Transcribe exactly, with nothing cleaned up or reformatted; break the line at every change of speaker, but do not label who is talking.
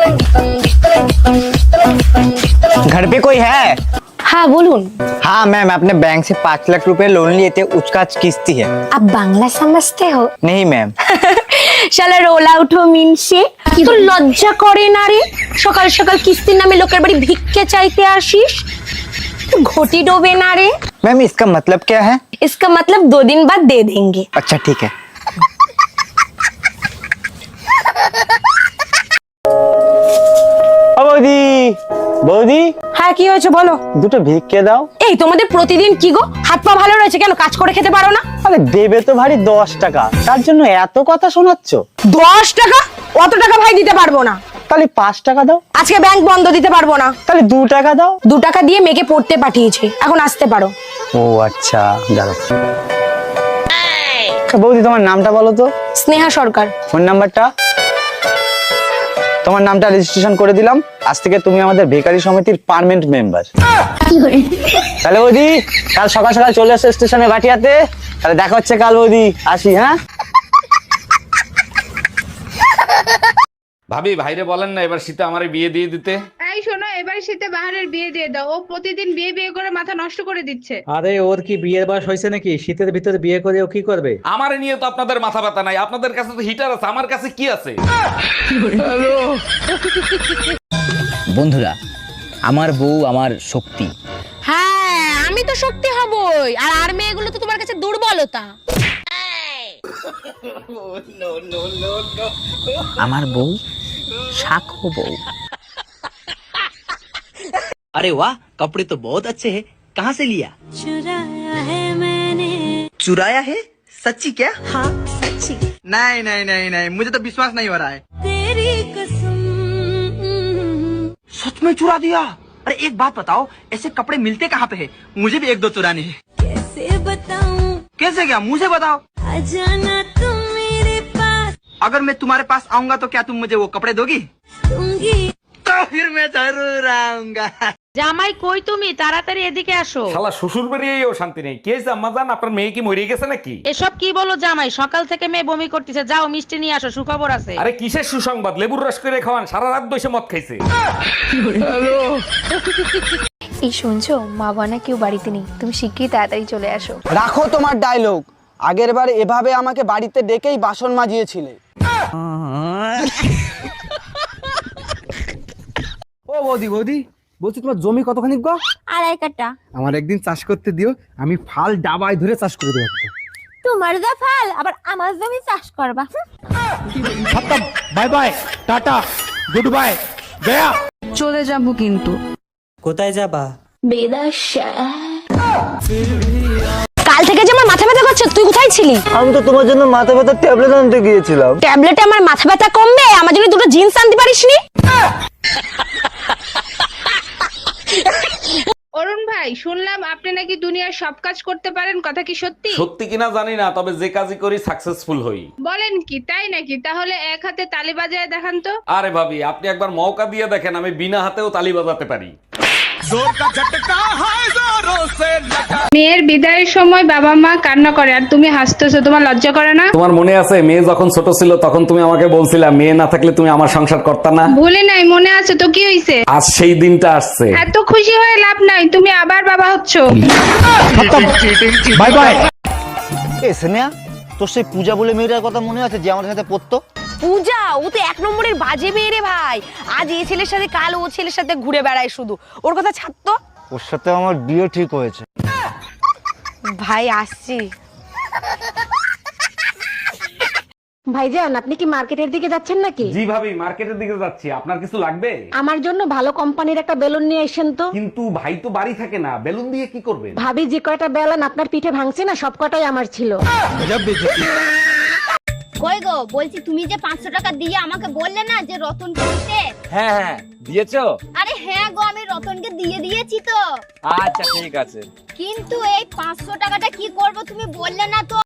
घर पे कोई है?
हाँ बोलून।
हाँ मैम, अपने बैंक से पाँच लाख रुपए लोन लिए थे, उसका आज किस्ती है।
आप बांग्ला समझते हो?
नहीं मैम।
শালা রোল আউট হো মিনসে, তো লজ্জা করে না রে? সকাল সকাল কিস্তির নামে লোকের বাড়ি ভিক্ষে চাইতে আসিস, তো ঘটি ডোবে না রে?
मैम इसका मतलब क्या है?
इसका मतलब दो दिन बाद दे देंगे।
अच्छा ठीक है। ও বৌদি, বৌদি
হ্যাঁ কি হয়েছে বলো?
দুটো ভিক্ষে দাও।
এই তোমাদের প্রতিদিন কি গো, হাত পা ভালো রয়েছে কেন, কাজ করে খেতে পারো না?
আরে দেবে তো ভারী দশ টাকা, তার জন্য এত কথা শোনাচ্ছ?
দশ টাকা? অত টাকা ভাই দিতে পারবো না।
তাহলে পাঁচ টাকা দাও।
আজকে ব্যাংক বন্ধ, দিতে পারবো না।
তাহলে দু টাকা দাও।
দু টাকা দিয়ে মেয়েকে পড়তে পাঠিয়েছে, এখন আসতে পারো।
ও আচ্ছা, দাঁড়াও। বৌদি তোমার নামটা বলো তো।
স্নেহা সরকার।
ফোন নাম্বারটা? তোমার নামটা রেজিস্ট্রেশন করে দিলাম, আজ থেকে তুমি আমাদের বেকারি সমিতির পার্মানেন্ট মেম্বার। তাহলে বৌদি কাল সকাল সকাল চলে আসো স্টেশনে ভাটিয়াতে, তাহলে দেখা হচ্ছে কাল বৌদি, আসি হ্যাঁ।
ভাবি ভাইরে বলেন না এবার শীতে আমারে বিয়ে দিয়ে দিতে।
এই শোনো, এবার শীতে বাহারের বিয়ে দিয়ে দাও, ও প্রতিদিন বিয়ে বিয়ে করে মাথা নষ্ট করে দিচ্ছে।
আরে ওর কি বিয়ের বয়স হয়েছে নাকি? শীতের ভিতরে বিয়ে করে ও কি করবে?
আমারে নিয়ে তো আপনাদের মাথা ব্যথা নাই, আপনাদের কাছে তো হিটার আছে, আমার কাছে কি আছে?
বন্ধুরা, আমার বউ আমার শক্তি।
হ্যাঁ আমি তো শক্তি হবই, আর আর মেয়েগুলো তো তোমার কাছে দুর্বলতা।
আমার বউ শাখো বউ।
अरे वाह, कपड़े तो बहुत अच्छे हैं, कहाँ से लिया?
चुराया है मैंने।
चुराया है? सच्ची क्या?
हाँ सच्ची।
नहीं नहीं नहीं नहीं, मुझे तो विश्वास नहीं हो रहा है।
तेरी कसम।
सच में चुरा दिया? अरे एक बात बताओ, ऐसे कपड़े मिलते कहाँ पे है? मुझे भी एक दो चुराने हैं।
कैसे बताऊं?
कैसे क्या, मुंह से बताओ।
आ जाना तुम मेरे पास।
अगर मैं तुम्हारे पास आऊंगा तो क्या तुम मुझे वो कपड़े दोगी?
दूंगी।
तो फिर मैं जरूर आऊंगा।
জামাই কই তুমি, তাড়াতাড়ি এদিকে আসো।
শালা শ্বশুর বাড়িয়েও শান্তি নেই। কে জাম্মা জান, আপনার মেয়ে কি মরে গেছে নাকি?
এসব কি বলো জামাই, সকাল থেকে মেয়ে বমি করতেছে, যাও মিষ্টি নিয়ে আসো, সুখবর আছে।
আরে কিসের সুসংবাদ, লেবুর রস করে খাওয়ান, সারা রাত বসে মদ খাইছে।
এই শুনছো, মা বানা কেউ বাড়িতে নেই, তুমি শিগগিরই তাড়াতাড়ি চলে আসো।
রাখো তোমার ডায়লগ, আগের বার এভাবে আমাকে বাড়িতে ডেকেই বাসন মাজিয়েছিলে।
ও বৌদি, বৌদি বলছি তোমার জমি কতখানি গো?
আড়াই কাটা।
আমার একদিন চাষ করতে দিও, আমি ফাল ডাবায় ধরে চাষ করে দেবো।
তোমার যা ফাল, আবার আমার জমি চাষ করবা।
Bye bye, tata, good bye, গয়া।
চলে যাবো কিন্তু।
কোথায় যাবা?
বেদাশা।
কাল থেকে যে আমার মাথা ব্যথা করছে, তুই কোথায় ছিলি?
আমি তো তোমার জন্য মাথা ব্যথার ট্যাবলেট আনতে গিয়েছিলাম।
ট্যাবলেটে আমার মাথা ব্যথা কমবে? আমার জন্য দুটো জিন্স আনতে পারিসনি?
অরুণ ভাই, শুনলাম আপনি নাকি দুনিয়ার সব কাজ করতে পারেন, কথা কি সত্যি?
সত্যি কিনা জানি না, তবে যে কাজই করি সাকসেসফুল হই।
বলেন কি, তাই নাকি? তাহলে এক হাতে তালি বাজায় দেখান তো।
আরে ভাবি, আপনি একবার মৌকা দিয়ে দেখেন, আমি বিনা হাতেও তালি বাজাতে পারি।
মেয়ের বিদায়ের সময় বাবা মা কান্না করে আর তুমি হাসতেছো, তোমার লজ্জা করে না?
তোমার মনে আছে মেয়ে যখন ছোট ছিল তখন তুমি আমাকে বলছিলা মেয়ে না থাকলে তুমি আমার সংসার করতা না?
ভুলে নাই, মনে আছে তো। কি হইছে?
আজ সেই দিনটা আসছে।
এত খুশি হয়ে লাভ নাই, তুমি আবার বাবা হচ্ছো।
Bye bye.
এ স্নেহা, তোর সেই পূজা বলে মেয়েটার কথা মনে আছে যে আমাদের সাথে পড়তো?
পূজা, ও তো এক নম্বরের বাজে মেয়ে রে ভাই। আজ এই ছেলের সাথে, কাল ও ছেলের সাথে ঘুরে বেড়ায় শুধু। ওর কথা ছাড়তো।
ওর সাথে আমার বিয়ে ঠিক হয়েছে।
ভাই আসছি।
ভাইজান, আপনি কি মার্কেটের দিকে যাচ্ছেন নাকি?
জি ভাবি, মার্কেটের দিকে যাচ্ছি। আপনার কিছু লাগবে?
আমার জন্য ভালো কোম্পানির একটা বেলুন নিয়ে এসেন তো।
কিন্তু ভাই তো বাড়ি থাকে না, বেলুন দিয়ে কি করবেন?
ভাবি যে কয়টা বেলুন আপনার পিঠে ভাঙছে না, সব কটাই আমার ছিল।
কই গো, বলছি তুমি যে পাঁচশো টাকা দিয়ে আমাকে বললে না যে রতনকে দিতে।
হ্যাঁ হ্যাঁ, দিয়েছো?
আরে হ্যাঁ গো, আমি রতনকে দিয়ে দিয়েছি তো।
আচ্ছা ঠিক আছে।
কিন্তু এই পাঁচশো টাকাটা কি করব তুমি বললে না তো।